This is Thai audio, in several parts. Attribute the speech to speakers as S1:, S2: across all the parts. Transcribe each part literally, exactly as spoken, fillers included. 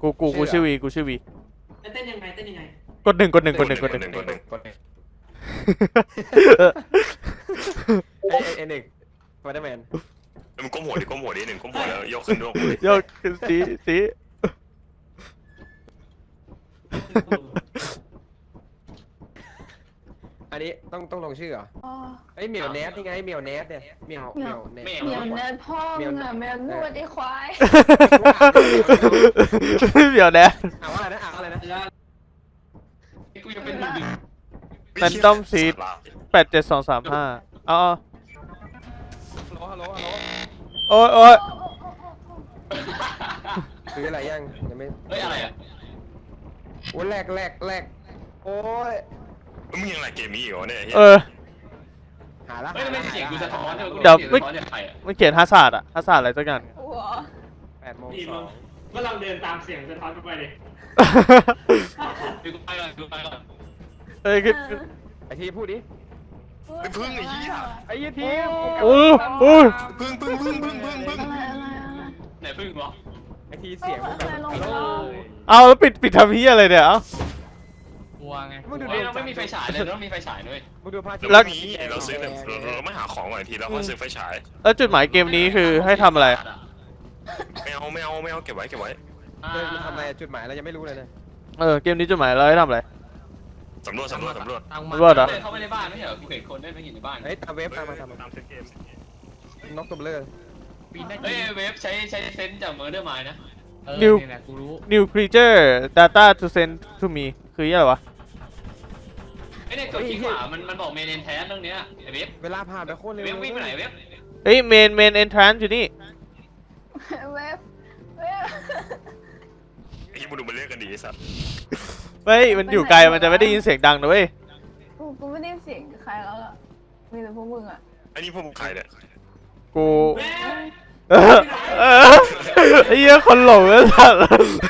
S1: กูกูกูชื่อวีกูชื่อวี
S2: เต้นยังไงเต้นยังไง
S1: กดหนึ่งกดหนึ่งกดหนึ่งกดหนึ่ง
S3: กดหนึ่งกดหนึ่งไอ้ไอ้หนึ่งสไปเดอร์แมน
S4: มันก้มหัวดิก้มหัวดิหนึ่งก้มหัวแล้วยกขึ้นยก
S1: ยกขึ้นสีสี
S3: อันนี้ต้องต้องลงชื่อเหรอไอ้เหมียวเนสนี่ไงเหมียวเนสเนี่ยเหมียวเหมียวเนส
S5: เหมียวเนสพ่อมึงอะแมวนวดไอ้ควาย
S1: เดี๋ยวนะ
S3: อ่านว่าอะไรนะอ่านว่าอะไรนะ
S2: กูจะเป็นหนึ่ง
S1: แฟนตอมซีดแปดเจ็ดสองสามห้าอ๋อ
S3: ฮัลโหลฮัลโหลฮัลโหล
S1: โอ้ยโอ้ย
S3: คืออะไรยังยังไม่
S2: เฮ้ยอะไรอ่ะ
S3: โอ้แรกแรกแรกโอ้ย
S4: มึงยังไรเกมนี้อยู่เนี่ย
S1: เออ
S3: หาละ
S2: เฮ้ยไม่เสียงกูสะท้อน
S1: เดี๋ยวไม่ไม่เขียนฮาศาสตร์อะฮาศาสตร์อะไรสักอย่าง
S3: แปดโมงสอง
S2: ก็ลองเดินตามเสียงสะท้อนไปดิดูไปก่อนดูไปก่อน
S1: เอ้ยคือ
S3: ไอทีพูดดิ
S4: ไอ้พึ่งไอ้เหี้ย
S3: ไอ้ที
S1: โอ้โห
S4: พึ่งพึ่งพึ่งพึ่งพึ่งพึ่ง
S2: ไหนพึ่งวะ
S3: ไอทีเสียงมันแบบ
S1: เอาแล้วปิดปิดทำพี่อะไรเนี่ยเอ้าก
S2: ลัวไงมึงดูดิเราไม่มีไฟฉายเลยต้องมีไฟฉายด้วย
S3: มึงดูภาพ
S4: แล้วนี้เราซื้อเราไม่หาของก่อนทีเราก็ซื้อไฟฉาย
S1: แล้วจุดหมายเกมนี้คือให้ทำอะไร
S4: ไม่เอาไม่เอาไม่เอาเก็บไว้เก็บไว้
S3: เดินทำอะไรจุดหมายเรายังไม่รู้เลยนะ
S1: เออเกมนี้จุดหมายเราให้ทำอะไร
S4: สำรวจสำรวจสำรวจ
S1: สำรวจเหรอ
S2: เข้าไปในบ้านไม่เหรอกูเห็นคนได้ไม่เห็นในบ้าน
S3: เฮ้ยตามเว็บตามมาตามมาน็อกตัวเบลอ
S2: เฮ้ยเว็บใช้ใช้เซนส์จากเมอร์เดอร์มายนะ
S1: นิวนิวครีเจอร์ data to send to me คืออะไรวะ
S2: ไอ้เนี่ยกดคลิกขวามันมันบอกเมนเอนแทนตรงเนี้ยไอ้เว็บ
S3: เวลาผ่านไปโคตรเร็ว
S2: เว็บวิ่งไปไหนเว็บ
S1: เฮ้ยเมนเมนเอนทรานซ์อยู่นี่
S5: เว็บเว็บ
S4: ไอ้มึงดูมันเล่นกันดีสัส
S1: เฮ้ยมันอยู่ไกลมันจะไม่ได้ยินเสียงดังนะเว้ย
S5: กูกูไม่ได้เสียงใครแล้วล่ะมีแต่พวกมึงอ่ะ
S4: ไอ้นี่พวกมึงใครเนี่ย
S1: กูไอ้เหี้ยคนหลงแล้วสัส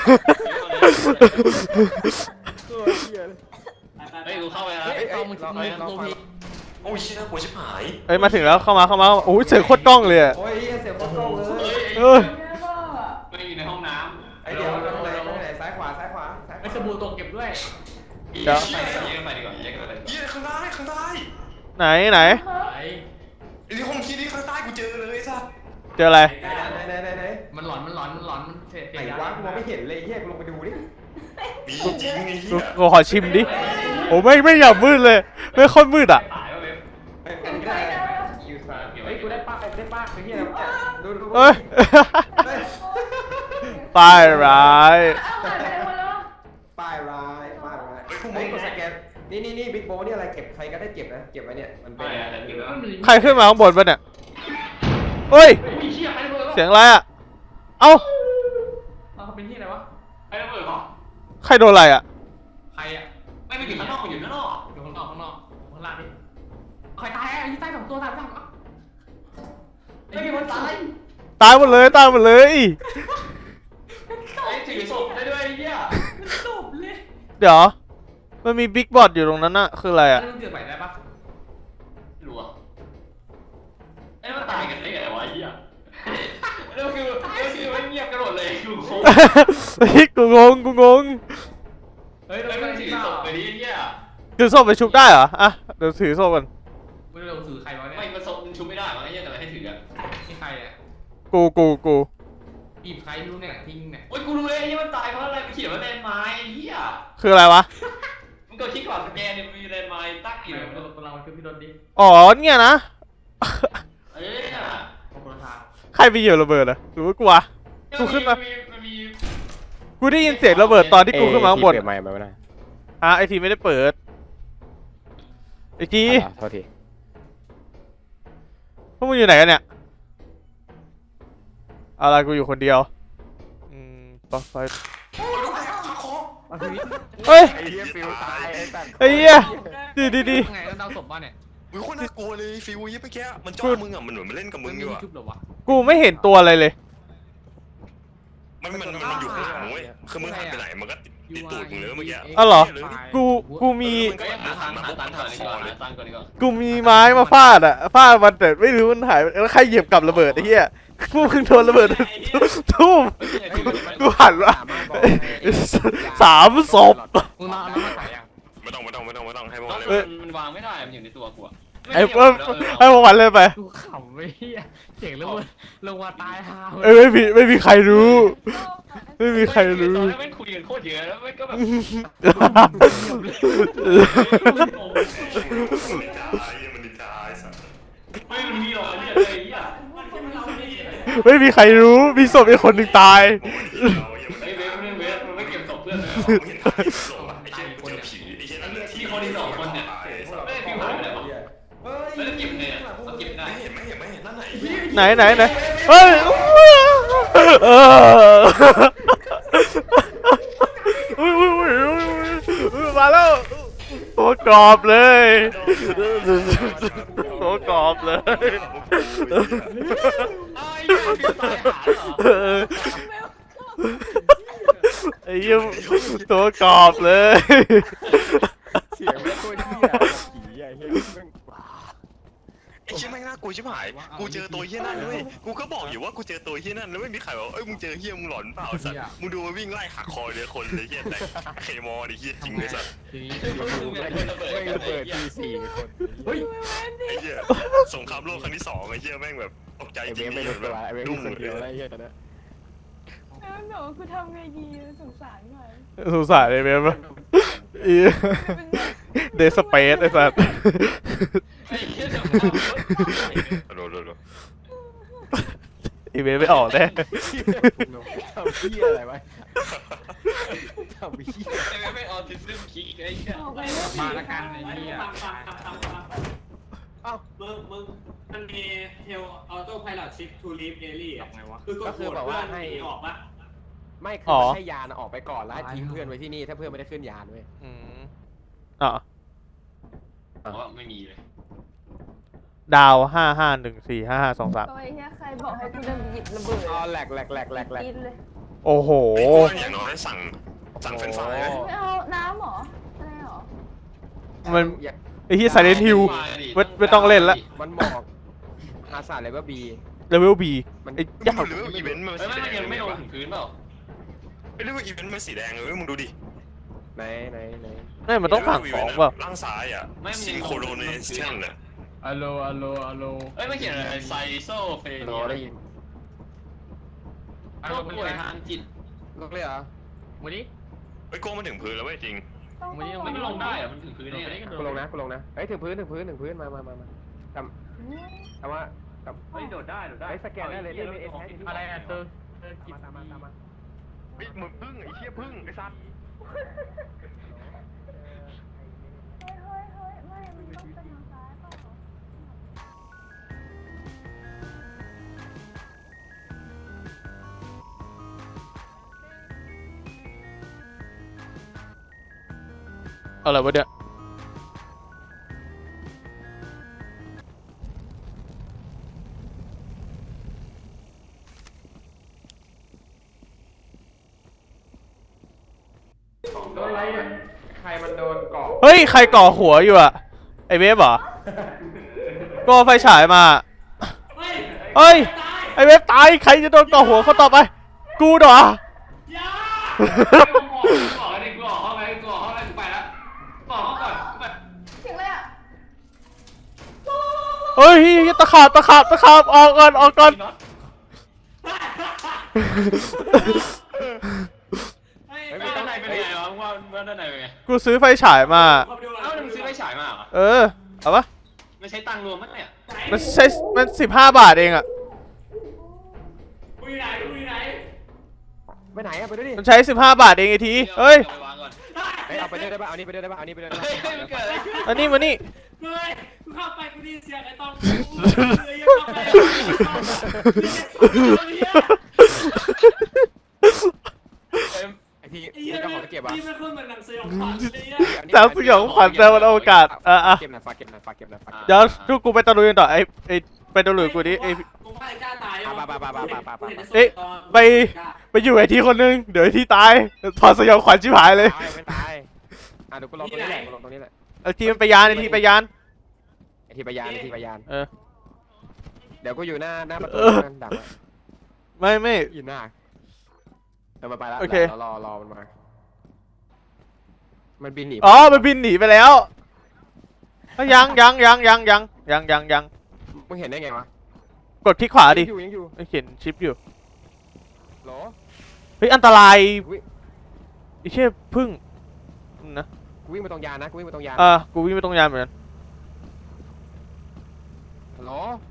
S2: เฮ้ยกูเข้าไปแล้วเฮ้ยเอามึงมึงตัวพี่
S4: โอ้ยชิบหายหัวชิบหาย
S1: เฮ้ยมาถึงแล้วเข้ามาเข้ามาโอ้ยเสียงโคตรกล้องเลย
S3: โอ้ยเสียงโคตรกล้องเลย
S1: เออ
S2: ไม่อยู่ในห้องน้ำ
S3: ไอเดี๋ยวไปไหนไปไหนซ้ายขวาซ้ายขวา
S2: ไอสบู่ตกเก็บด้วย
S1: เดี๋ยว
S2: ไปแยกไปดีกว่าแยกไป
S4: เยี่ยข้างใต้ข้างใต้
S1: ไหนไหน
S4: ไอ้ที่ห้องที่นี่ข้างใต้กูเจอเลยสัส
S1: เจออะไร
S3: ไหนไหนไหนไหน
S2: มันหลอนมันหลอนมันหลอนมันเ
S3: ไหนวะกูมองไม่เห็นเลยเฮียกูลงไปดูดิ
S4: มีจริงไอ้เหี้ย
S1: กูขอชิมดิโอ้ไม่ไม่อยากมืดเลยไม่ค่อยมืดอ่ะ
S3: เฮ้ยกูได้ป้าได้ป้าไอ้เหี้ยดูดู
S1: เฮ้ยป้ายร้าย
S3: ป้ายร้ายป้ายร้ายเฮ้ยกดสแกนนี่นี่นี่บิ๊กโบนี่อะไรเก็บใครก็ได้เก็บนะเก็บไว้เนี่ยมันเป็น
S1: ใครขึ้นมาข้างบนปะเนี่ยเฮ้ยเสียงอะไรอ่ะเอ้า
S2: เขาเป็นที่อะไรวะใครระเบิดเหรอ
S1: ใครโดนอะไรอ่ะ
S2: ใครอ่ะไม่ไม่อยู่ข้างนอกอยู่ข้างนอกอยู่ข้างนอกข้างนอกข้างล่างนี่ใครตายอ่ะยี่ใต้สองตัวตายสองไม่มีคนตาย
S1: ตายหมดเลยตายหมดเลย
S2: ไอ้ถือศพได้ด้วยไอ้เหี้ยศพเลย
S1: เดี๋ยวมันมีบิ๊กบอทอยู่ตรงนั้นน่ะคืออะไรอ่ะ
S2: มันเกิดใหม่ได้ปะรัวไอ้มันตายกันได้ไงวะไอ้เหี้ยแล้วคือแล้วคือไม่เงียบกันหมดเลยกูงง
S1: เฮ้ยกูงงกูงง
S2: เฮ้ยแล้วมันถือศพไปดิไอ้เหี้ย
S1: ถือศพไปชุบได้เหรออ่ะเดี๋ยวถือศพกัน
S2: ไม่รู้ถือใครวะเนี่ยไม่มันศพมันชุบไม่ได้วะไอ้เหี้ยแต่ให้ถืออ่ะนี่ใครอ่ะ
S1: กูกูกู
S2: บีบใครรู้เนี่ยทิ้งเนี่ยโอ้ยกูรู้เลยไอ้เหี้ยมันตายเพราะอะไรมันเขียนว่าแลนด์ไมน์ไอ้เหี้ย
S1: คืออะไรวะ
S2: มึงกดคลิกก่อนสแกนเนี่ยมีแลนด์ไมน์ตั้งอยู่กำลังมันคือพี่โดนดิ
S1: อ๋อเนี่ยนะ
S2: เอ้ย
S1: ใครไปเหยียบระเบิดอ่ะหรือว่ากูวะกูขึ้นมากูได้ยินเสียงระเบิดตอนที่กูขึ้นมาข้างบน
S3: ไม่ไม่ไม่ได้
S1: อ่ะไอทีไม่ได้เปิดไอที
S3: โทษที
S1: พวกมึงอยู่ไหนกันเนี่ยอะไรกูอยู่คนเดียวอืมต่อไฟเฮ้ย
S3: ไอ้เหี้ยฟิวตาย
S1: ไอ้เหี้ยดีดีดี
S2: ไงต้องดาวศพบ้านเนี่ย
S4: มึงโคตรน่ากลัวเลยฟิวยี่เมื่อกี้มันจ้องมึงอ่ะมันเหมือนมันเล่นกับมึงอยู่อ่ะ
S1: กูไม่เห็นตัวอะไรเลย
S4: มันมันมันอยู่ข้างหลังเว้ยคือมึงหันไปไหนมันก็ติดตูดมึงเลยเมื่อกี้
S1: อ๋อเหรอกูกูมีกูมีไม้มาฟาดอ่ะฟาดมันแต่ไม่รู้มันหายแล้วใครเหยียบกับระเบิดไอ้เหี้ยกูเพิ่งโดนระเบิดทุ่มกูหันว่าสามศพ
S2: มึงนอนแล้วมาถ่ายยัง
S4: ไม่ต้องไม่ต้องไม่ต้องไม่ต้องให้พวก
S2: มั
S4: มัน น
S1: เอ้
S4: เลย
S1: ย
S2: มันวางไม่ได้มันอยู่ในตัวกูอะ
S1: ไอ้เพิ่มให้พวกมันเลยไป
S6: กูขำไม่เหี้ยเสียงลงมาลงมาตายฮา
S1: เอ้ยไม่มีไม่มีใครรู้ ไม่มีใครรู้
S2: ตอนแรกแม่งคุยกันโคตรเยอะแล้วแม่งก็แบบ
S4: มันนิจาไอ้มันนิจาไอ้สัส
S2: ไม่มันมีหรอกเนี่ยอะไรอ่ะ
S1: ไม่มีใครรู้ มีศพอีกคนหนึ่งตาย
S2: ไอ้เวฟมันเวฟมันไม่เก็บศพเพื่อนเลย
S4: มึงเห็นภาพที่มันหลงอ่ะไอ้เหี้ยกูเจอผีไอ้เหี้ยนั่นแหละที่
S2: ที่คนที่สองคนเนี่ย
S4: ไอ้สัส
S2: ไม่ได้พิวหายไปไหนวะ
S3: เฮ้ย
S2: ไม่ได้เก็บไงอ่ะต้องเก็บได้
S4: ไม่เห็นไม่เห็นไม่เห็นนั่นไหน
S1: ไหนไหนไหนเฮ้ยเอออุ้ยอุ้ยอุ้ยอุ้ยมาแล้วตัวกรอบเลยตัวกรอบเลย
S2: ไอ้เหี้ยพิวตายหาเหรอ
S1: ไอ้ยี่ตัวกรอบเลย
S3: เสียงไม่ค่อยเที่ยผีใหญ่เฮ้ย
S4: ไอ้เหี้ยแม่งน่ากลัวชิบหายกูเจอตัวเหี้ยนั่นด้วยกูก็บอกอยู่ว่ากูเจอตัวเหี้ยนั่นแล้วไม่มีใครบอกเอ้ยมึงเจอเหี้ยมึงหลอนเปล่าสัสมึงดูมันวิ่งไล่หักคอเลยคนเลยเหี้ยแต่เคมอดิเหี้ยจริงเลยสัส
S6: ทีนี้
S2: ไม่ระเบิด
S3: ไม่ระเบิดทีสี่คนเฮ้ย
S4: ไอ้เหี้ยสงครามโลกครั้งที่สองไอ้เหี้ยแม่งแบบตกใจ
S3: ไอ
S4: จ
S3: เว
S4: ริง
S3: ฟไม่
S4: เล
S3: รู้
S4: ย
S3: ตัว
S4: แบบ
S3: ไอเวฟ
S4: ดุ้
S3: มี
S4: ง
S3: คน
S4: เล
S3: เดียวย อะไรเงี้ยตอนนี้
S5: แล้วหนูกูทำไงดีสงสารหน่อย
S1: สงสารไอ้เบฟอีเดสเปซไอ้สัส
S2: ไอ้เหี้ยจะ
S4: โดนโดน
S1: อีเบฟไม่ออกแน่
S3: ทำเหี้ยอะไรวะทำเหี้ย
S2: ไอ้เวฟไม่ออทิซึมคิกไอ้เหี้ย
S5: ออกไปไม่
S6: มาละกันไอ้เหี้ย
S3: อ้าว
S7: มึงมึงมันมีเทลออโต้ไพลอตชิปทูลีฟเดลี่อ่ะ
S6: ไงวะ
S7: คือกดโหวตเพื่อนหนีออกปะ
S3: ไม่คือมันให้ยานออกไปก่อนแล้วทิ้งเพื่อนไว้ที่นี่ถ้าเพื่อนไม่ได้ขึ้นยานเว้ย
S1: อืมอ่ะ
S2: เพราะว่าไม่มีเลย
S1: ดาวห้าห้าหนึ่งสี่ห้าห้าสองสาม
S5: ตัวไอ้เนี้ยใครบอกให้กูเดินหยิบระเบิด
S3: อ๋อแหลกแหลกแหลกแหลกแหลก
S5: กินเลย
S1: โอ้โห
S4: โอ้อย่างน้อยสั่งสั่งเฟรนช์ฟรายไหม
S5: ไม่เอาน้ำหรออะไรหรอ
S1: มัน
S3: อย่า
S1: ไอ้ที่ไซเลนฮิลไม่ไม่ต้องเล่นละ
S3: มันหมอกฮาซาเลเวลบี
S1: เลเวลบี
S3: มัน
S1: ไอ้
S4: ยั
S1: ยาก
S4: หรือว่าอีเวนต์มัน
S2: เฮ้ย
S4: สี
S2: ไม่
S4: แด
S2: มันยัง
S4: ง
S2: ไม่
S4: ไม่
S2: โด
S4: โด
S2: น
S4: น
S2: ถึงพื้นเปล่า
S4: ไม่รู้ว่าอีเวนต์มันสีแดงเลยมึงดูดิ
S3: ไหนไหนไหน
S1: ไม่มันต้องสั่งของเปล่า
S4: ล่างซ้ายอ่ะซินโครโนเนชั่นอ่ะ
S6: อัลโลอัลโลอัลโล
S2: เอ้ยไม่เขียนอะไรไซโซเฟ
S3: ร
S2: เนี
S3: อย ได้ยิน
S6: อัล
S2: โร
S6: โล
S2: ค
S6: มึง
S2: ป่วย
S6: ดิ
S2: ทางจิต
S3: ลกเลยเหรอ
S6: มึงดิ
S4: ไอ้โก้มันถึงพื้นแล้วเว้ยจริง
S5: ต้อง
S6: มันยัง
S2: มันไม่ลงได้อะมันถึงพื้นได้ไง
S3: กูลงนะกูลงนะเฮ้ยถึงพื้นถึงพื้นถึงพื้นมามามามาทำทำว่าทำ
S2: เฮ้ยโดดได้โดดได้
S3: เฮ้ยสแกนได้เลยเล่นเอส
S6: อะไรอ่ะเตอร์เตอร์กิน
S3: ตามมาตามมา
S4: เฮ้ยมึงพึ่งไอ้เชี่ยพึ่งไอ้สัตว์
S5: เฮ้ยเฮ้ยเฮ้ยไม่มันต้องเป็นทางซ้ายเปล่า
S1: อะไรวะเนี่ย
S3: โดนอะไรเนี่ยใครมันโดนเกาะ
S1: เฮ้ย ใครก่อหัวอยู่อะไอเวฟเหรอ ก็เอาไฟฉายมา
S7: เฮ้ย
S1: เฮ้ย ไอเวฟตาย ใครจะโดนก่อหัวเขาต่อไป กูเหรอ
S7: ยา
S2: กูบอกกูบอกเลยกูออกห้องไปกูออกห้องไปกูไปแล้วออกห้องก่อนกูไป
S5: เสียงอะไรอ่ะ
S1: เฮ้ยตะขาบตะขาบตะขาบออกก่อนออกก่อน
S7: เฮ้ย
S2: เฮ้ยด้านในเป็นไงวะว่าว่าด้านในเป็นไง
S1: กูซื้อไฟฉายมา
S7: เข้าไปดูหน่อย
S2: เอ้ามึงซื้อไฟฉายมาเหรอ
S1: เออ เอาปะ
S2: ไม่ใช้ตังค์รวมมั้งเนี่ย
S1: มันใช้มันสิบห้าบาทเองอะ
S7: กูอยู่ไหนกูอยู่ไหน
S3: ไปไหนอะไปด้วยดิ
S1: มันใช้สิบห้าบาทเองไอที เฮ้ย
S2: อาไปวางก่อน
S3: เฮ้ยเอาไปด้วยได้ป่ะเอานี่ไปด้วยได้ป่ะเอานี่ไปด้วยได้
S2: เฮ้ย
S3: ป่ะ
S2: มันเกิดอะไรขึ้น
S1: อันนี้มานี่
S7: เฮ้ยกูเข้าไปกูได้ยินเสียงไอ้ตองกูเลยเข้าไป
S3: ไอที
S7: ไอ้
S3: มี
S7: เหี้ย
S3: เจ้าของไปเก็บอ่ะ
S7: นี่มันคนเหมือนหนังสยองขวัญเลยอ่ะ
S1: แต่สยองขวัญแต่วันอวกาศอ่ะอ่ะ
S3: เก็บหน่อยฝากเก็บหน่อยฝากเก็บหน่อยฝากเก็บ
S1: เดี๋ยวทุกกูไปตะลุยกันต่อไอไอไปตะลุยกูดิไอ
S7: กูว่าไอ้กล้าตาย
S1: เอ๊ะไป ไปอยู่ไอทีคนนึง เดี๋ยวไอทีตายพอสยองขวัญชิบหายเลย
S3: ตายไม่ตายอ่ะเดี๋ยวกูลองตรงนี้แหละกูลองตรงนี้แหละ
S1: ไอทีมันไปยานไอทีไปยาน
S3: ไอทีพยานไอทีพยาน
S1: เออ
S3: เดี๋ยวกูอยู่หน้าหน้าประตู
S1: เออ
S3: นั่นดักไว้
S1: ไม่ไม่
S3: อยู่หน้าดี๋ยวมันไปแล้ว
S1: โอเค
S3: รอรอรอมันมามันบินหนี
S1: อ๋อมันบินหนีไปแล้วเอ้ยยังยังยังยังยังยังยังยัง
S3: มึงเห็นได้ไงวะ
S1: กดคลิกขวาดิ
S3: ยังอยู่ยังอยู่
S1: ไม่เขียนชิปอยู่
S3: โหล
S1: เฮ้ยอันตราย
S3: วิ
S1: ไอ้เชี่ยพึ่งนะ
S3: กูวิ่งมาตรงยานนะกูวิ่งมาตรงยาน
S1: อ่ากูวิ่งไปตรงยานเหมือนกัน
S3: ฮัลโหล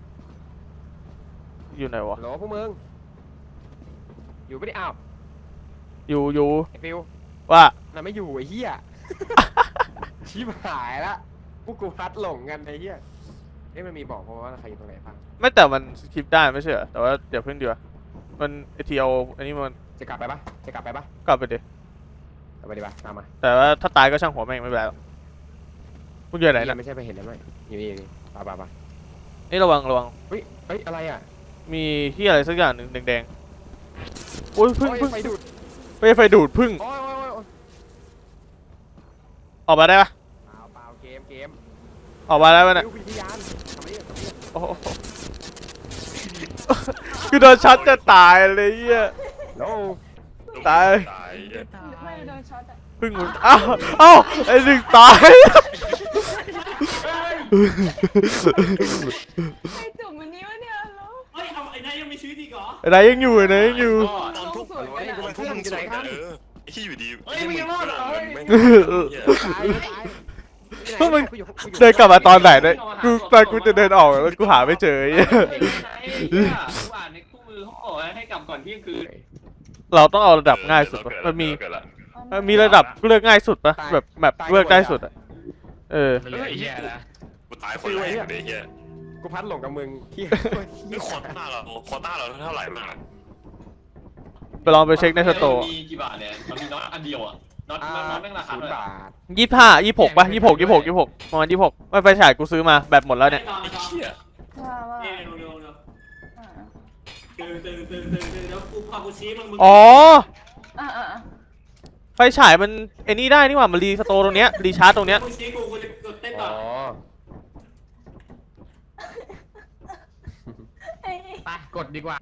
S1: อยู่ไหนวะ
S3: ฮัลโหลพวกมึงอยู่ไม่ได้อ้าว
S1: อยู่อยู่
S3: ไอ้ฟิว
S1: ว่า
S3: น่ะไม่อยู่ไอ้เหี้ย ชิบหายละพวกกูพัดหลงกันไอ้เหี้ยเอ๊ะมันมีบอกเพราะว่าใครอยู่ตรงไหนบ้าง
S1: ไม่แต่มันสคริปได้ไม่ใช่เหรอแต่ว่าเดี๋ยวเพิ่งดีกว่ามันไอทีเอาอันนี้มัน
S3: จะกลับไปปะจะกลับไปปะ
S1: กลับไปดิ
S3: กลับไปดีปะตามมา
S1: แต่ว่าถ้าตายก็ช่างหัวแม่งไม่เป็นไรหรอกมึงอยู่ไหน
S3: เหี้
S1: นะ
S3: ยไม่ใช่ไปเห็นแล้วไหมอยู่นี่อยู่นี่ปะปะปะ
S1: นี่ระวังระวัง
S3: เฮ้ยเฮ้ยอะไรอ่ะ
S1: มีที่อะไรสักอย่างหนึ่งแดงๆโอ้ยพึ่ง
S3: โอ้ย
S1: พึ่ง
S3: ไฟดูด
S1: ไม่ใช่ไฟดูดพึ่ง
S3: โอ้ยโอ้ยโอ้ยโอ้ย
S1: ออกมาได้ปะ
S3: เปล่าเปล่าเกมเกม
S1: ออกมาได้ปะเนี่ย
S3: ฟิววิญญาณทำนี่ทำนี่
S1: โอ้โหคือโดนช็อตจะตายเลยเหี้ย
S3: โน้
S1: ตาย
S4: ตาย
S5: ไม่โดนช็อตอะ
S1: พึ่งมึงอ้าวอ้าวไอ้หนึ่งตาย
S5: ไอ้จุ่มวันนี้วะเนี่ยเหรอ
S7: เฮ้ยเอาไอ้นายยังมีชีวิตอีกเหรอ
S1: ไอ้ไหนยังอยู่ไอ้ไหนยังอยู่
S4: ตอนพวก
S5: สวย
S4: ตอนพวกมึงสวยกันเออไอ้ที่อยู่ดี
S2: เฮ้ยมึงยังรอดเหรอ
S4: แม่ง
S3: ตายตาย
S1: พวกมึง
S3: กูอยู่กูอยู่
S1: เดินกลับมาตอนไหนเนี่ยกูตอนกูจะเดินออกแล้วกูหาไม่เจอไอ้เหี้ย
S2: ไอ้เหี้ยกูอ่านในคู่มือเขาบอกให้กลับก่อนเที่ยงคืน
S1: เราต้องเอาระดับง่ายสุดปะมันมี
S4: เกิดละ
S1: มันมีระดับเลือกง่ายสุดปะแบบแบบเลือกได้สุดอะเออ
S6: มันเหลือไอ้เหี้ยนะ
S4: กูตายคนแรกเลยเฮีย
S3: กูพัดหลงกับมึงที่
S4: นี่คอต้าเราคอต้าเราเท่าไหร่มา
S1: ไปลองไปเช็คในสโตร์
S2: มีกี่บาทเนี่ยมันมีน็อตอันเดียวอ่ะน็อต
S3: อ่า
S2: น็อตแม่งราคา
S3: ศูน
S2: เท่า
S3: ย์
S2: ไหร่
S3: บาท
S1: ยี่ห้ายี่หกปะยี่หกยี่หกยี่หกประมาณยี่หกไม่ไฟฉายกูซื้อมาแบตหมดแล้วเนี่ย
S7: ต่อต่อ
S4: เฮีย
S5: ว่าว่า
S7: เนี่ยดูดูดู
S5: อ่า
S7: ตื่นตื่นตื่นตื่นตื่นแล้วกูพากูชี้มึงมึง
S1: อ๋อ
S5: อ่าอ่าอ่า
S1: ไฟฉายมันไอ้นี่ได้นี่หว่ามันรีสโตร์ตรงเนี้ยรีชาร์จตรงเนี้ย
S7: มึงชี้กูกูจะกดเต้น
S3: อ๋
S7: ต่
S3: อ
S7: อ
S5: ไอ้
S6: ไปกดดีกว่า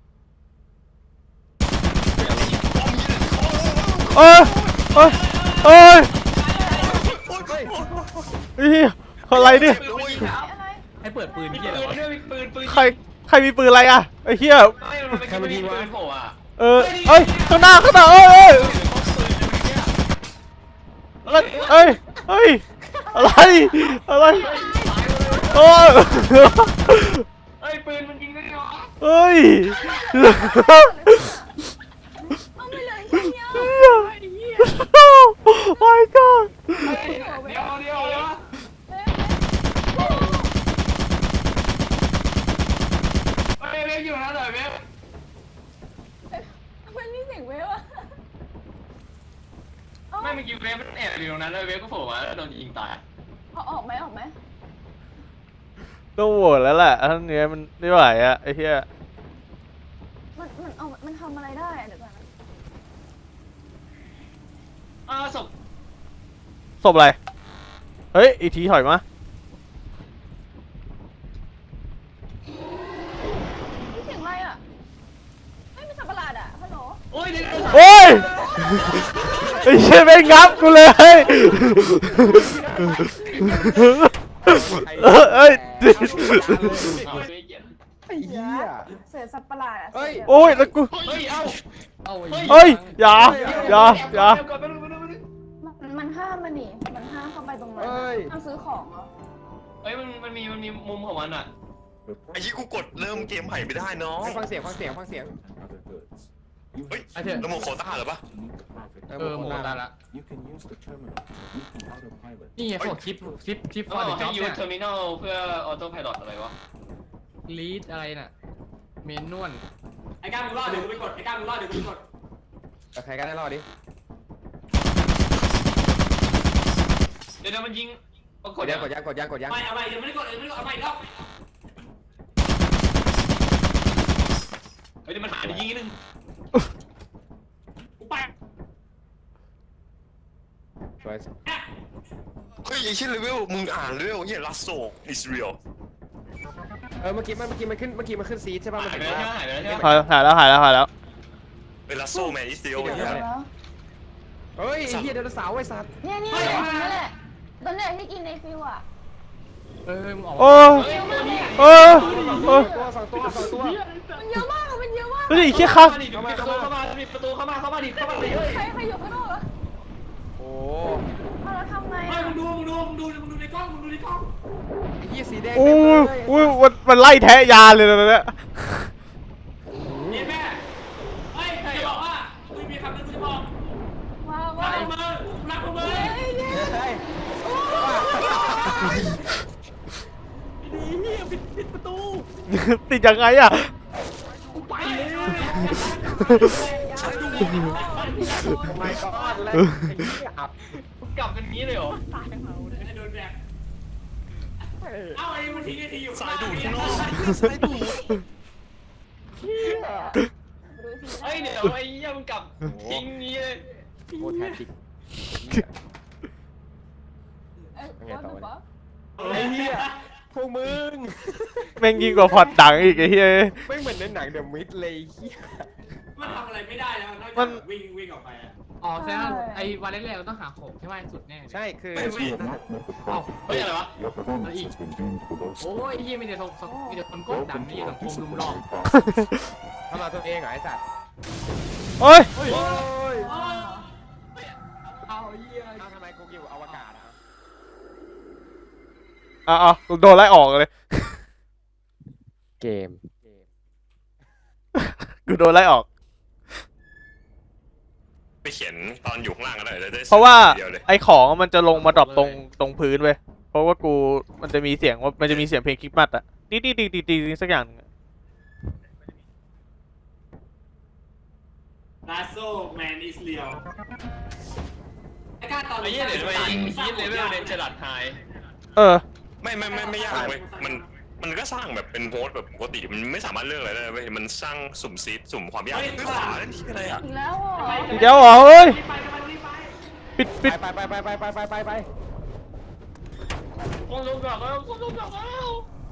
S1: เอ้ยเอ้ยเอ้ย
S3: เฮ้ย
S1: เฮ้ยอะไรเนี่ย
S5: อะไร
S6: ให้เปิดปืน
S2: มี
S6: เหี้ย
S2: ปื
S6: อะไร
S2: น
S6: วะ
S2: ด้วยมีปืนปืน
S1: ใครใครมีปืนอะไรอะไอ้เหี้ย
S2: ไม่มันไม่ใช่ปืนโผล่อะ
S1: เออเอ้ยข้างหน้าข้างหน้าเอ้ยเอ้ยเอ้ยเอ้ยเอ้ยอะไรอะไรโอ้ย
S2: เฮ้ยปืนมันยิงได้เหรอ
S1: เอ้ย
S5: เอาไม่เลยเหี้ย
S1: my god
S2: เดี๋ยวเดี๋ยวเดี๋ยว
S5: เอ๊ะ
S2: เฮ้ยเว็บอยู่นะหน่อยเว็บ
S5: เอ๊ะมันมีเสียงเว้ยว่ะเอา
S2: ไม่เมื่อกี้เว็บมันแอบอยู่ตรงนั้นเลยเว็บก็โผล่มาแล้วโดนยิงตาย
S5: เอาออกไหมออกไหม
S1: ต้องโหวตแล้วแหละท่านเนี้ยมันไม่ไหวอะไอ้เหี้ย
S5: มันมันเอามันทำอะไรได้อะเดี๋ยวก่อนนะ
S2: อ้าวศพ
S1: ศพอะไรเฮ้ยอีกทีถอยมา
S5: นี่เสียงอะไรอ่ะไม่เป็นสัตว์ประหลาดอ่ะฮัลโหล
S2: โอ้ยเดี๋ยว
S1: โอ้ยไอ้เชี่ยไม่งับกูเลยเอ้ยเอ้ย
S2: เอาไปเกียร
S3: ไอ้เหี้ย
S5: เสือสัตว์ประหลาดอ่ะ
S3: เฮ้ย
S1: โอ้ยแล้วกู
S2: เฮ้ยเอ้า
S6: เอาไอ้
S1: เฮ้ยอย่าอย่าอย่า
S5: มันมันห้ามมันนี่มันห้ามเข้าไปตรงนั้น
S3: เอ้ย
S5: ห้ามซื้อของเหรอ
S2: เฮ้ยมันมันมีมันมีมุมของมันอ่ะ
S4: ไอ้ที่กูกดเริ่มเกมใหม่ไม่ได้น้อง
S3: ฟังเสียงฟังเสียงฟังเสียง
S4: เฮ้ย
S6: ไอ้เถอะ
S4: แล้วมึงโคต้าหรือปะ
S6: เออหมดได้ละนี่ไงพวกคลิปคลิปคลิปฟ
S2: ก็
S6: อร์ด
S2: ให้
S6: จ็อบ
S2: ยู
S6: เนี่ย
S2: เทอร์มินอลเพื่อออโต้ไพลอตอะไรวะ
S6: ลีดอะไรน่ะเมนนวล
S7: ไอ้ก้ามึงรอดเดี๋ยวกูไปกดไอ้ก้ามึงรอดเดี๋ยวกูไปกด
S3: แต่ใครก็ได้รอดดิ
S2: เดี๋ยวมันยิงก
S3: ก
S2: ด
S3: ด
S2: ยั
S3: ยัง งกดยังกดยังกดยัง
S7: ไม่เอาไปเดี๋ยวไม่ได้กดเดี๋ยวไม่ได้กดเอาไปอีกรอบ
S2: เฮ้ยเดี๋ยวมันหายิงนิดนึง
S7: กูไป
S3: สวย
S4: เฮ้ยไอ้เช่นเลเวลมึงอ่านเลเวลเฮียลัสโซอิสเรียล
S3: เออเมื่อกี้มันเมื่อกี้มันขึ้นเมื่อกี้มันขึ้นซีดใช่ป่ะมัน
S2: หาย
S3: เห็น
S2: ไปแล้ว
S3: ว่า
S2: ใช่ไหมหายไปแล้วใช่ไหม
S1: หายหายแล้วหายแล้วหายแล้ว
S4: เวลาโซแมนอิสติโอ
S3: เดี๋ยว
S4: เนี่ย
S5: แล้ว
S3: เฮ้ยไอ้เฮียไดโนเสาร์ไอ้สัตว์
S5: เนี่ยเนี่ยนั่นแหละตอนแรกที่กินในฟิวอ่ะ
S6: เออมึงออก
S1: โอ้เออเออ
S3: ตัวสองตัวสองตัว
S5: มันเยอะมากมันเยอะมาก
S1: เฮ้ยไอ้เหี้ยข้าง
S2: เข้ามาดิปิดประตูเข้ามาปิดประตูเข้ามาเข้ามาดิเข้ามาดิเฮ้ย
S5: ใครใครอยู่ข้างนอกอ่ะ
S3: โอ้
S5: เอาแล้วทำไง
S7: เฮ้ย
S5: อ่ะ
S7: มึงดูมึงดูมึงดูมึงดูในกล้องมึงดูในกล้อง
S3: ไอ้เฮียสีแดง
S1: โอ้
S3: เต็มเลย ย
S1: โอ้ยมันมันไล่แทะยาเลยนะเนี่ย
S7: เห็นแม่เฮ้ยจะบอกว่ากูมีคำนึงกูจะบอก
S5: ว้าว
S7: รั
S5: ว้าก ว
S7: พวกมึงรักพวกมึง
S5: เฮ้ยเนี่ย
S3: เฮ้ย
S1: ติดยังไงอ่ะ
S7: ไปเลย
S3: ไม่ก็อดเลยไอ้เฮียอับ
S2: กลับเป็นงี้เลยเหรอ
S7: ให้โดนแบกเอ้าไอ้มันทิ้งไอ้ทีอยู่
S4: สายดูดข้างนอก
S3: สายดูด
S5: ดูสิ
S2: เฮ้ยเดี๋ยวไอ้เหี้ยมึงกลับทิ้งงี้เลย
S3: โคตรแทนจิก
S5: เอ้ยว่าดูปะ
S3: ไอ้เฮียพวกมึง
S1: แม่งยิ่งกว่าพอดดังอีกไอ้เหี้ย
S3: ไม่เหมือนในหนังเดอะมิดเลยเฮีย
S7: มันทำอะไรไม่ได้แล้วนอก
S1: มั
S7: จาน กวิ่งวิ่งออกไปอะ
S6: อ๋อแสดงว่าไอ้วันแรกๆเราต้องหาของใช่ไหมสุดแน่
S3: ใช่คือ
S6: เอ้า
S2: เฮ้ยอะไรวะ
S6: แล้วอีกโอ้ยไอ้เหี้ยมีแต่ทรงมีแต่คนกดดันนี่สังคมลุมล้อม
S3: ทำลายตัวเองเหรอไอ้สัตว์
S1: โอ้ย
S3: โอ้ย
S6: เอาไอ้เหี้ย
S3: เอาทำไมกูอยู่อวกาศอ่ะ
S1: อ่ะอ่ะโดนไล่ออกเลย
S3: เกม
S1: กูโดนไล่ออก
S4: ไปเขียนตอนอยู่ข้างล่างก็ได้แล้วได้
S1: เพราะว่า
S4: เดียวเลย
S1: ไอของมันจะลงมาดรอปตรงตรงพื้นเว้ย เพราะว่ากูมันจะมีเสียงว่ามันจะมีเสียงเพลงคริสต์มาสอะตีตีตีตีตีสักอย่างหนึ่งอะ
S7: ลาโซแมนอิสเลียวไอ้ก้าตอน
S2: ไอ้เหี้ยเดี๋ยวไปคิดเลเวลเดนฉลาดหาย
S1: เออ
S4: ไม่ไม่ไม่ไม่ยากเว้ยมันมันก็สร้างแบบเป็นโพสต์แบบปกติมันไม่สามารถเลือกอะไรได้เว้ยมันสร้างสุ่มซีดสุ่มความยากไม่ขวาแล้วนี่อะไรอ่ะ
S5: อีกแล้วเหรอ
S1: อีกแล้วเหรอเฮ้ย
S7: ไปกันไปรีบไป
S1: ปิดปิด
S3: ไปไปไปไปไปไปไปไป
S2: คนลงกลับแล้วคนลงกลับแล้ว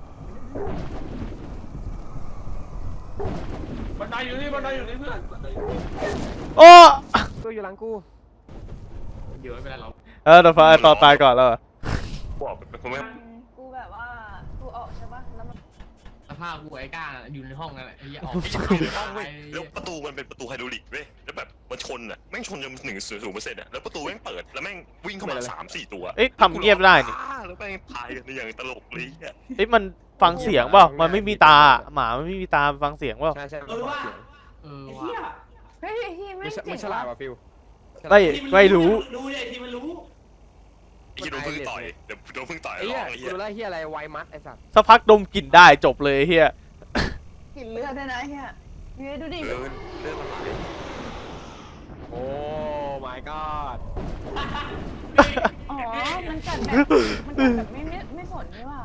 S2: บันไดอยู่นี่บันไดอยู่นี่เพื่อน
S1: โอ้
S3: ตัวอยู่หลังกู
S6: เดี๋ยวไม่เป็นไรหรอก
S1: เออเดี๋ยวฟ้าต่อตายก่อนแล้วอะ
S4: บอกผมไม่
S5: กูแบบว่ากูออกใช่ปะแล้วมัน
S6: สภาพกูไอ้ก้าอยู่ในห้องนั่นแหละไอ้เหี้ยออก
S4: ไม่ใช่ในห้องเว้ยแล้วประตูมันเป็นประตูไฮดรอลิกเว้ยแล้วแบบมันชนอ่ะแม่งชนจนหนึ่งศูนย์ศูนย์เปอร์เซ็นต์อ่ะแล้วประตูแม่งเปิดแล้วแม่งวิ่งเข้ามาสามสี่ตัว
S1: เอ๊ะทำเงียบได้นี่
S4: แล้วแม่งตายกันอย่างตลกเลยอ่ะ
S1: เอ๊ะมันฟังเสียงเปล่ามันไม่มีตาหมามันไม่มีตาฟังเสียงเปล่า
S3: ใช่ใช่
S7: เออว่า
S6: เออ
S7: ไอ้
S6: ว่ะ
S7: เหี้ย
S5: เฮ้ยที่ไม่
S3: ไม่
S5: เจ๋ง
S3: ไม่ฉลาด
S5: ว่ะ
S3: ว่ะฟิว
S1: ไม่ไม่รู้
S7: ดูเลยทีมันรู้
S4: ไอ้โดนพึ่งต่อยเดี๋ยวโดนพึ่งต่อย
S3: ไอ้
S4: ร้
S3: เหี้
S4: อย งไอ้
S3: กู
S4: เหี้ย
S3: รู้แล้วเฮียอะไรไวมัดไอ้สัตว์
S1: สักพักดมกลิ่นได้จบเลยเฮีย
S5: กลิ่นเลือดด้วยนะเฮียเฮ้ยดูดิ
S4: เออเรื่องมันไหล
S3: โอ้ my god
S5: อ๋อมันกัดแบบมันกัดแบบไม่ไม่ไม่สนใช่ป่ะ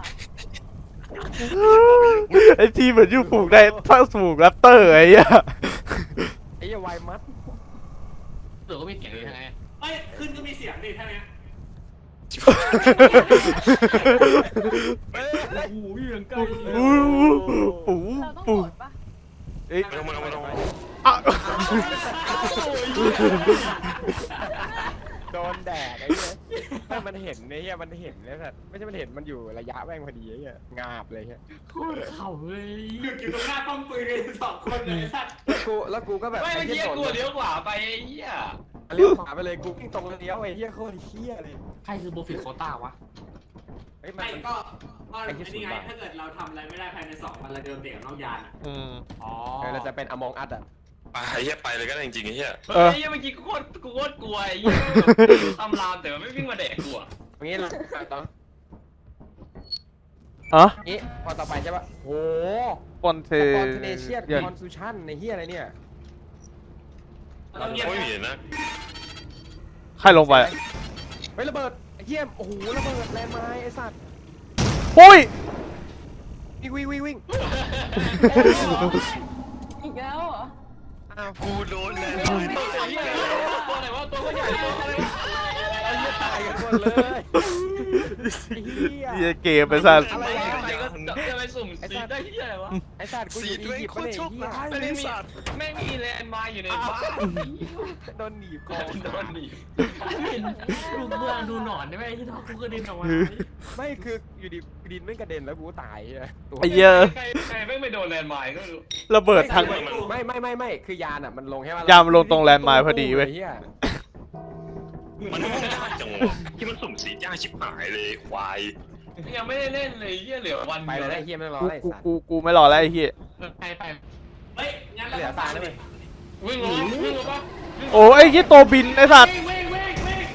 S1: ไอทีเหมือนอยู่ฝูงได้ถ้าฝูงแรปเตอร์ไอ้เหี้ย
S3: ไอ้เหี้ยไวมัด
S6: เสือก็มีเสียงเลยทั้งไง
S7: เอ้ยขึ้นก็มีเสียงดิท่านี้
S3: เฮ้ย
S6: โอ้โหยังใกล้
S1: ปูปู
S5: เราต้อง
S1: ปู
S5: กดปะ
S1: เอ๊ะ
S4: ไม่ต้องไม่ต้องไม่ต้อง
S1: อ่ะ
S3: โดนแดกไอ้เหี้ยไม่มันเห็นไอ้เหี้ยมันเห็นไอ้สัตว์ไม่ใช่มันเห็นมันอยู่ระยะแม่งพอดีไอ้เหี้ยงาบเลยเหี้ย
S6: โคตรเข่าเลย
S7: หยุดอยู่ตรงหน้าป้อมปืนเลยสองคนเลยสัตว์
S3: แล้วกูแล้วกูก็แบบ
S2: ไม่เมื่อกี้
S3: ไอ้
S2: กู
S3: หี้
S2: เลี้ยวขวาไปไอ้เหี้ย
S3: เลี้ยวขวาไปเลยกูวิ่งตรงเลี้ยวไอ้เหี้ยโคตรเหี้ยเลย
S6: ใครคือโบฟิตโคต้าวะ
S3: เฮ้ยมัน
S7: ไม่ก็ก็ไอ้นี่ไงถ้าเกิดเราทำอะไรไม่ได้ภายในสองวันเราเดินเตะกับนอกยานอ่ะ
S1: อืม
S6: อ๋อ
S3: เออเราจะเป็นอมองอัดอ่ะ
S4: ไปไอ้เหี้ยไปเลยก็ได้จริงๆไอ้เหี้ย
S1: เออ
S2: ไอ้เหี้ยเมื่อกี้กูโคตรกูโคตรกลัวไอ้เหี้ยตำรามแต่ว่าไม่วิ่งมาแดกกูอะ
S3: อย่างงี้เราต่อ
S1: อ๋อ
S3: งี้พอต่อไปใช่ปะโอ้
S1: ปอนเท
S3: คอนเทเนเชีย
S1: เดี๋ยว
S3: คอนซูชั่นในเหี้ยอะไรเนี่ย
S7: เราเงียบ
S4: ไม่มีนะ
S1: ใครลงไป
S3: เฮ้ยระเบิดไอ้เหี้ยโอ้โหระเบิดแรงไม้ไอ้สัตว์
S1: ปุ้ย
S3: วิ่งวิ่งวิ่งวิ่ง
S5: อีกแล้วเหรอ
S3: อ้าว
S4: กูโดนแน่
S2: ตัวไหนตัวไหนวะตัวก็ใหญ่ตัวอะไรวะ
S3: ไอ้เหี้ยตายกันหมดเลยไอ้เหี้ย
S1: เหี้ยเกมไปสั้น
S2: ทำไมทำไมก็ทำไมสสุ่มสีได้ที่อะไรวะ
S3: ไอ้สัตว์กูอ
S4: สี
S3: ยู่
S4: ด้วย
S3: อียิปต์
S4: โค
S3: ไม่
S4: ตร
S3: ได้
S4: โชค
S3: เหี้ย
S4: ร้าย
S2: ไม่
S4: เลย
S2: มี
S4: สัตว์
S2: แม่งมีแลนด์มาร์อยู่ในบ้าน
S3: โดนหนีบคอ
S2: โดนหนี
S7: ดูเมืองดูหนอนได้ไหมที่ท้องกูกระเด็นออกมา
S3: ไม่คืออยู่ดีดินไม่กระเด็นแล้วกูตายเลยตัว
S1: ไอ้เหี้ย
S2: ใครใครแม่งไม่โดนแลนด์มาร์ก็ไม่รู้
S1: ระเบิดทั้ง
S3: ไม่ไม่ไม่ไม่คือยานอ่ะมันลงแค่ว่
S1: ยานมันลงตรงแลนด์มาร์คพอดีเว้ย
S3: ไหี้
S4: มันไม่ยากจังวะที่มันสุ่มสียากชิบหายเลยควาย
S2: ยังไม่ได้เล่นเลยเหี้ยเหลือวัน
S3: ไป
S2: เดี
S3: เลย
S2: ยว
S3: ได้เฮียไม่ต้องรอ
S1: กู
S3: ได้
S1: กู
S3: สัตว์
S1: กูกูไม่รอแล้วไอ้เหี้ย
S7: ไปไป
S6: เฮ้ยงั้น
S3: เหลือ
S6: เรา
S3: ตายได้ไหม
S2: วิ่งลงวิ่งลงปะ
S1: โอ้ไอ้เหี้ยตัวบินไอ้สัตว์
S6: วิ่งวิ่งวิ่งวิ่ง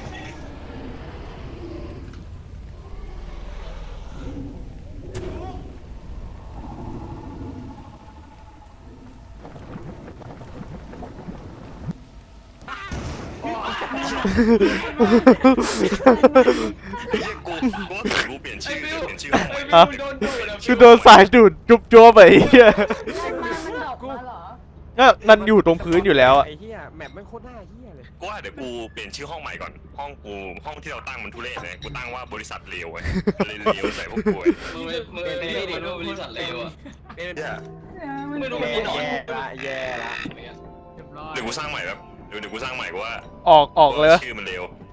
S4: ไอ้เหี้ยกูกูว่ากูเปลี่ยนชื่อเปลี่ยนชื่อห้อง
S2: ไอ้
S4: ใหม่
S2: วิวโดนดูดอะ
S1: กูโดนสายดูดจุบจัวไปไอ้เหี้ย
S5: แรงมามันดรอปมาเหรอ
S1: ก็มันอยู่ตรงพื้นอยู่แล้วอะ
S3: ไอ้เฮียแมปแม่งโคตรหน้าเฮียเลย
S4: กูว่าเดี๋ยวกูเปลี่ยนชื่อห้องใหม่ก่อนห้องกูห้องที่เราตั้งมันทุเรศเลยกูตั้งว่าบริษัทเลวไงเลยเลวใส่พวกกูไอ้
S2: มึงไม่มึงไม่ได้ดูบริษัทเลวอะ
S3: เป็น
S4: เนี่ย
S2: ไม่รู้
S3: แย่
S2: มีหนอน
S3: ละแย่ละ
S7: เรียบร้อย
S4: เดี๋ยวกูสร้างใหม่แบบเดี๋ยวเดี๋ยวกูสร้างใหม่กูว่า
S1: ออกออกเลย
S4: ชื่อมันเลว